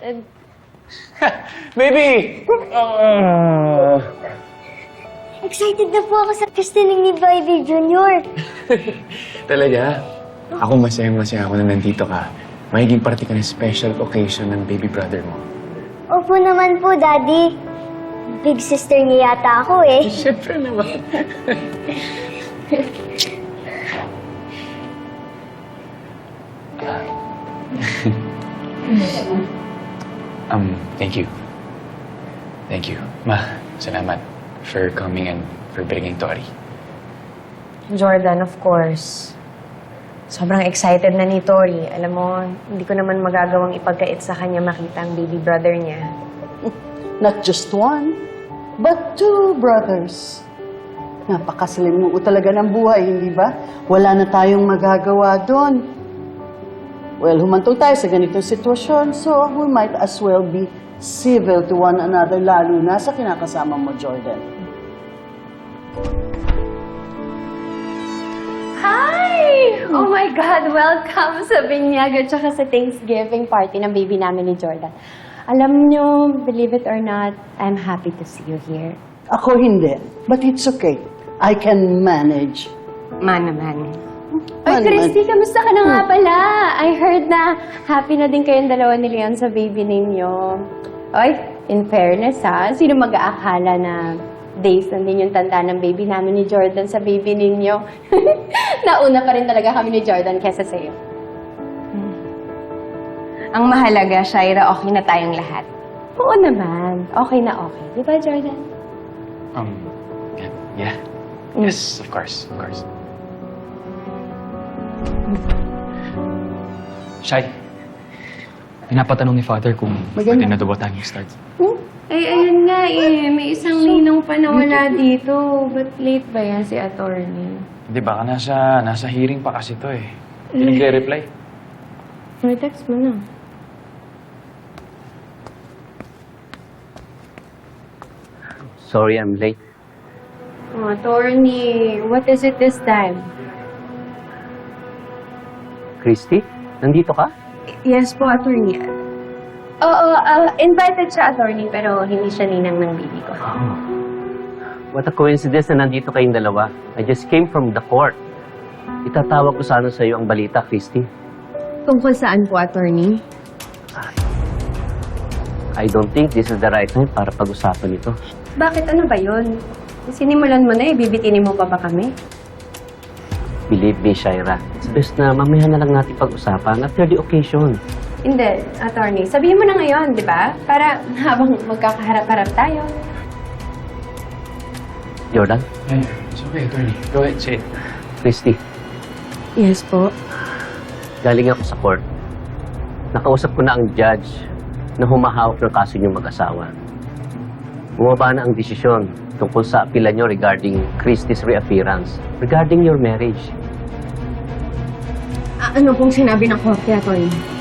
excited. Baby! Excited na po ako sa christening ni Baby Junior. Talaga? Ako masaya ako na nandito ka. Magiging parte ka ng special occasion ng baby brother mo. Opo naman po, Daddy. Big sister niya yata ako eh. Siyempre naman. Thank you. Thank you. Ma, salamat for coming and for bringing Tori. Jordan, of course. Sobrang excited na ni Tori. Alam mo, hindi ko naman magagawang ipagkait sa kanya makita ang baby brother niya. Not just one, but two brothers. Napakasalimuot talaga ng buhay, hindi ba? Wala na tayong magagawa doon. Well, humantong tayo sa ganitong sitwasyon, so we might as well be civil to one another, lalo na sa kinakasama mo, Jordan. Hi! Oh my God! Welcome sa binyag at saka sa Thanksgiving party ng baby namin ni Jordan. Alam nyo, believe it or not, I'm happy to see you here. Ako hindi, but it's okay. I can manage. Man. Ay, Christy, kamusta ka na nga pala? I heard na happy na din kayong dalawa ni Leon sa baby ninyo. Ay, in fairness ha, sino mag-aakala na days na din yung tanda ng baby namin ni Jordan sa baby ninyo? Nauna pa rin talaga kami ni Jordan kesa sa'yo. Ang mahalaga, Shaira, okay na tayong lahat. Oo naman. Okay na okay. Di ba, Jordan? Yeah. Yes, of course. Shai, pinapatanong ni Father kung pwede na daw ba tayong start. Ay, ayun nga eh. May isang ninong pa na wala dito. Ba't late ba yan si attorney? Hindi, baka nasa hearing pa kasi to eh. Hindi nagre-reply. May text mo na. Sorry, I'm late. Oh, attorney, what is it this time? Christy, nandito ka? Yes po, attorney. Oo, invited siya, attorney, pero hindi siya ninang ng baby ko. What a coincidence na nandito kayong dalawa. I just came from the court. Itatawag ko sana sa iyo ang balita, Christy. Tungkol saan po, attorney? I don't think this is the right time para pag-usapan ito. Bakit ano ba yun? Sinimulan mo na eh, bibitinin mo pa ba kami? Believe me, Shaira. It's best na mamaya na lang natin pag-usapan after the occasion. Hindi, attorney. Sabihin mo na ngayon, di ba? Para habang magkakaharap-harap tayo. Jordan? Yeah, it's okay, attorney. Go ahead, say it. Christy, Yes po. galing ako sa court. Nakausap ko na ang judge na humahawak ng kaso niyong mag-asawa. Bumaba na ang desisyon tungkol sa apila niyo regarding Christy's reappearance, regarding your marriage. Ano pong sinabi ng korte, attorney?